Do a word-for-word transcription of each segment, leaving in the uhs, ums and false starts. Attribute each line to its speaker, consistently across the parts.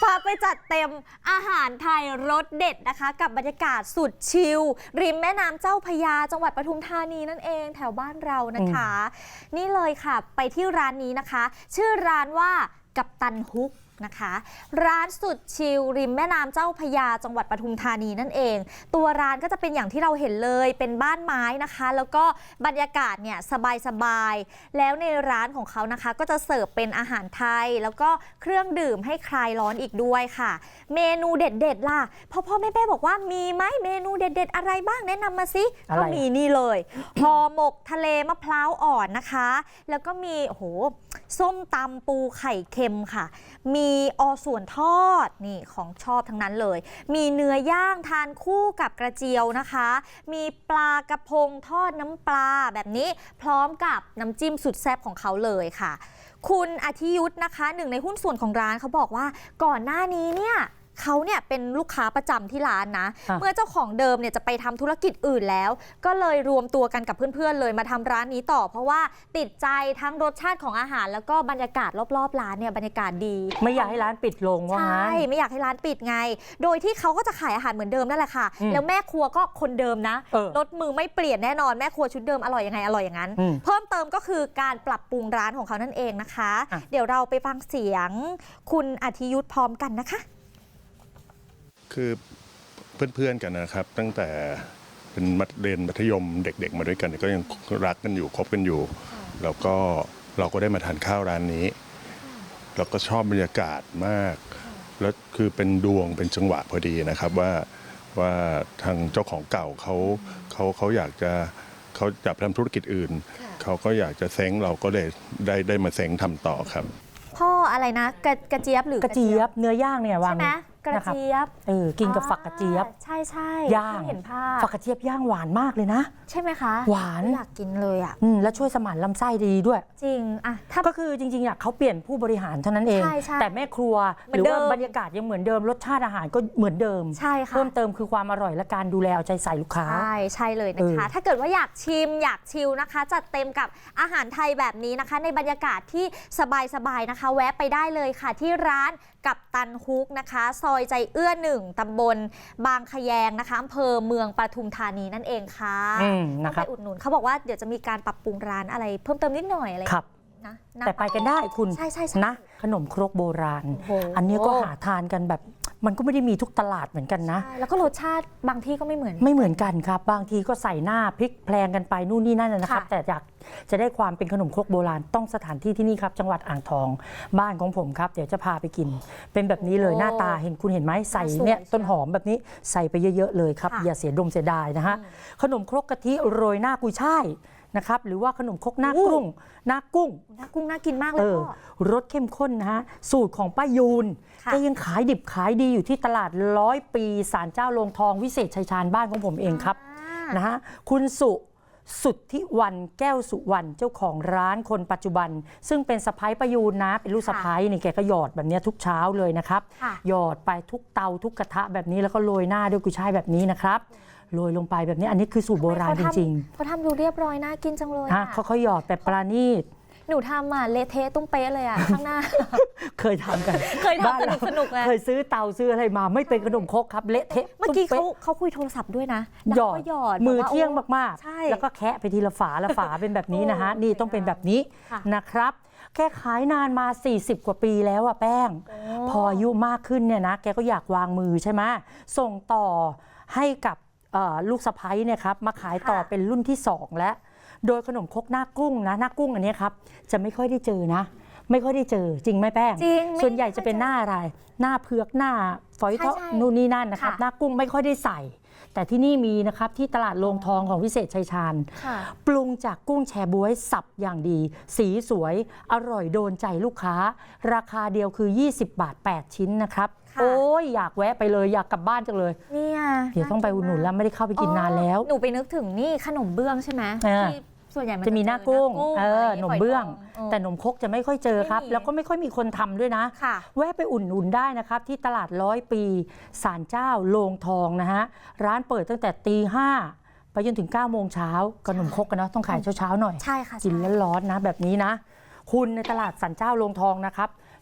Speaker 1: พาไปจัดเต็มอาหารไทยรสเด็ดนะคะกับบรรยากาศสุดชิลริมแม่น้ำเจ้าพระยาจังหวัดปทุมธานีนั่นเองแถวบ้านเรานะคะนี่เลยค่ะไปที่ร้านนี้นะคะชื่อร้านว่ากัปตันฮุกนะคะร้านสุดชิลริมแม่น้ำเจ้าพระยาจังหวัดปทุมธานีนั่นเองตัวร้านก็จะเป็นอย่างที่เราเห็นเลยเป็นบ้านไม้นะคะแล้วก็บรรยากาศเนี่ยสบายๆแล้วในร้านของเขานะคะก็จะเสิร์ฟเป็นอาหารไทยแล้วก็เครื่องดื่มให้คลายร้อนอีกด้วยค่ะเมนูเด็ดๆล่ะพ่อพ่อแม่แม่บอกว่ามีไหมเมนูเด็ดๆอะไรบ้างแนะนำมาสิก็มีนี่เลยห่อหมกทะเลมะพร้าวอ่อนนะคะแล้วก็มีโอ้โหส้มตำปูไข่เค็มค่ะมีอส่วนทอดนี่ของชอบทั้งนั้นเลยมีเนื้อย่างทานคู่กับกระเจียวนะคะมีปลากระพงทอดน้ำปลาแบบนี้พร้อมกับน้ำจิ้มสุดแซ่บของเขาเลยค่ะคุณอาทิยุทธนะคะหนึ่งในหุ้นส่วนของร้านเขาบอกว่าก่อนหน้านี้เนี่ยเขาเนี่ยเป็นลูกค้าประจำที่ร้านนะเมื่อเจ้าของเดิมเนี่ยจะไปทำธุรกิจอื่นแล้วก็เลยรวมตัวกันกับเพื่อนๆเลยมาทำร้านนี้ต่อเพราะว่าติดใจทั้งรสชาติของอาหารแล้วก็บรรยากาศรอบๆร้านเนี่ยบรรยากาศดี
Speaker 2: ไม่อยากให้ร้านปิดลงว่า
Speaker 1: ใช่ไม่อยากให้ร้านปิดไงโดยที่เขาก็จะขายอาหารเหมือนเดิมนั่นแหละค่ะแล้วแม่ครัวก็คนเดิมนะรสมือไม่เปลี่ยนแน่นอนแม่ครัวชุดเดิมอร่อยยังไงอร่อยอย่างนั้นเพิ่มเติมก็คือการปรับปรุงร้านของเขานั่นเองนะคะเดี๋ยวเราไปฟังเสียงคุณอาทิยุทธพร้อมกันนะคะ
Speaker 3: คือเพื่อนๆกันนะครับตั้งแต่เป็นมัธเรียนมัธยมเด็กๆมาด้วยกันก็ยังรักกันอยู่คบกันอยู่แล้วก็เราก็ได้มาทานข้าวร้านนี้แล้วก็ชอบบรรยากาศมากแล้วคือเป็นดวงเป็นจังหวะพอดีนะครับว่าว่าทางเจ้าของเก่าเขาเขาเขาอยากจะเขาอยากทำธุรกิจอื่นเขาก็อยากจะเซ้งเราก็เลยได้ได้มาเซ้งทำต่อครับ
Speaker 1: พ่ออะไรนะกระกระเจี๊ยบหรือก
Speaker 2: ระเจี๊ยบเนื้อย่างเนี่ยวาง
Speaker 1: ใช่ไหมกระเจี๊ยบ
Speaker 2: เออกินกับฝักกระเจี๊ยบ
Speaker 1: ใช่ใช่
Speaker 2: ย่าง
Speaker 1: เห็นภาพ
Speaker 2: ฝักกระเจี๊ยบย่างหวานมากเลยนะ
Speaker 1: ใช่ไหมคะ
Speaker 2: หวาน
Speaker 1: อยากกินเลยอ่ะ
Speaker 2: อืมแล้วช่วยสมานลำไส้ดีด้วย
Speaker 1: จริงอ่ะ
Speaker 2: ก็คือจริงๆอ่ะเขาเปลี่ยนผู้บริหารเท่านั้นเองแต่แม่ครัวหรือว่าบรรยากาศยังเหมือนเดิมรสชาติอาหารก็เหมือนเดิม
Speaker 1: ใช่ค่ะ
Speaker 2: เพิ่มเติมคือความอร่อยและการดูแลเอาใจใส่ลูกค้า
Speaker 1: ใช่ใช่เลยนะคะถ้าเกิดว่าอยากชิมอยากชิลนะคะจัดเต็มกับอาหารไทยแบบนี้นะคะในบรรยากาศที่สบายๆนะคะแวะไปได้เลยค่ะที่ร้านกัปตันฮุกนะคะซอยใจเอื้อหนึ่งตำบลบางขยงนะคะอำเภอเมืองปทุมธานีนั่นเองค่ะต้องไปอุดหนุนเขาบอกว่าเดี๋ยวจะมีการปรับปรุงร้านอะไรเพิ่มเติมนิดหน่อยอะไร
Speaker 2: นะแต่ไปกันได้คุณ
Speaker 1: ใช่ใช่
Speaker 2: นะขนมครกโบราณอันนี้ก็หาทานกันแบบมันก็ไม่ได้มีทุกตลาดเหมือนกันนะ
Speaker 1: แล้วก็รสชาติบางที่ก็ไม่เหมือน
Speaker 2: ไม่เหมือนกันครับบางทีก็ใส่หน้าพริกแพลงกันไปนู่นนี่นั่นนะครับแต่อยากจะได้ความเป็นขนมครกโบราณต้องสถานที่ที่นี่ครับจังหวัดอ่างทองบ้านของผมครับเดี๋ยวจะพาไปกินเป็นแบบนี้เลยหน้าตาเห็นคุณเห็นไหมใส่เนี่ยต้นหอมแบบนี้ใส่ไปเยอะๆเลยครับอย่าเสียดมเสียดายนะฮะขนมครกกะทิโรยหน้ากุยช่ายนะครับหรือว่าขนมครกหน้ากุ้งหน้ากุ้ง
Speaker 1: หน้ากุ้งน่ากินมากเลยพ่อ
Speaker 2: รสเข้มข้นนะฮะสูตรของป้ายูนแกยังขายดิบขายดีอยู่ที่ตลาดร้อยปีศาลเจ้าโลงทองวิเศษชัยชาญบ้านของผมเองครับนะฮะคุณสุสุทธิวันแก้วสุวรรณเจ้าของร้านคนปัจจุบันซึ่งเป็นสะพ้ายป้ายูนนะเป็นลูกสะพ้ายนี่แกก็หยอดแบบนี้ทุกเช้าเลยนะครับหยอดไปทุกเตาทุกกระทะแบบนี้แล้วก็โรยหน้าด้วยกุยช่ายแบบนี้นะครับโรยลงไปแบบนี้อันนี้คือสูตรโบราณจริง
Speaker 1: ๆเขาทำดูเรียบร้อยน่ากินจังเลย
Speaker 2: เขาเขาหยอดแต่ปราณีต
Speaker 1: หนูทำอ่ะเละเทะตุ้มเป๊ะเลยอ่ะข้างหน้า
Speaker 2: เคยทำกัน
Speaker 1: เคยทำสนุกสนุกเลย
Speaker 2: เคยซื้อเตาซื้ออะไรมาไม่เป็นขนมครกครับเละเทะ
Speaker 1: เมื่อกี้เขาเขาคุยโทรศัพท์ด้วยนะ
Speaker 2: หยอดหยอดมือเที่ยงมากๆแล้วก็แคะไปทีละฝาละฝาเป็นแบบนี้นะฮะนี่ต้องเป็นแบบนี้นะครับแกขายนานมาสี่สิบกว่าปีแล้วอะแป้งพออายุมากขึ้นเนี่ยนะแกก็อยากวางมือใช่ไหมส่งต่อให้กับลูกสะใภ้เนี่ยครับมาขายต่อเป็นรุ่นที่สองแล้วโดยขนมครกหน้ากุ้งนะหน้ากุ้งอันนี้ครับจะไม่ค่อยได้เจอนะไม่ค่อยได้เจอจริงไหมแป้ง
Speaker 1: จริง
Speaker 2: ส่วนใหญ่จะเป็นหน้าอะไรหน้าเผือกหน้าฝอยทองนู่นนี่นั่นนะครับหน้ากุ้งไม่ค่อยได้ใส่แต่ที่นี่มีนะครับที่ตลาดโรงทองของวิเศษชัยชาญปรุงจากกุ้งแชบ๊วยสับอย่างดีสีสวยอร่อยโดนใจลูกค้าราคาเดียวคือยี่สิบบาทแปดชิ้นนะครับโอ้ยอยากแวะไปเลยอยากกลับบ้านจังเลย
Speaker 1: เนี่ย
Speaker 2: เดี๋ยวต้องไปอุดหนุนแล้วไม่ได้เข้าไปกินนานแล้ว
Speaker 1: หนูไปนึกถึงนี่ขนมเบื้องใช่ไหมที่ส่วนใหญ่
Speaker 2: จะมีหน้ากุ้งเออขนมเบื้องแต่ขนมครกจะไม่ค่อยเจอครับแล้วก็ไม่ค่อยมีคนทำด้วยนะแวะไปอุ่นอุ่นได้นะครับที่ตลาดร้อยปีศาลเจ้าโลงทองนะฮะร้านเปิดตั้งแต่ตีห้าไปจนถึงเก้าโมงเช้าขนมครกกันเนาะต้องขายเช้าๆหน่อย
Speaker 1: ใช่ค่ะ
Speaker 2: กินร้อนๆนะแบบนี้นะคุณในตลาดศาลเจ้าโลงทองนะครับ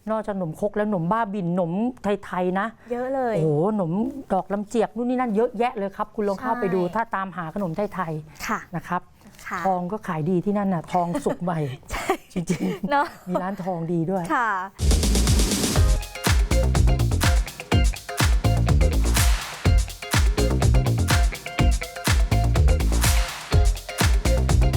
Speaker 2: นอกจากขนมครกแล้วขนมบ้าบินขนมไทยๆนะ
Speaker 1: เยอะเลย
Speaker 2: โอ้โหขนมดอกลำเจียกนู่นนี่นั่นเยอะแยะเลยครับ คุณลองเข้า
Speaker 1: ใช่
Speaker 2: ไปดูถ้าตามหาขนมไทย
Speaker 1: ค่ะ
Speaker 2: ๆนะครับ
Speaker 1: ค่ะ
Speaker 2: ทองก็ขายดีที่นั่นน่ะทองสุกใหม่ จริง
Speaker 1: เนาะ
Speaker 2: ๆ มีร้านทองดีด้วย
Speaker 1: ค่ะ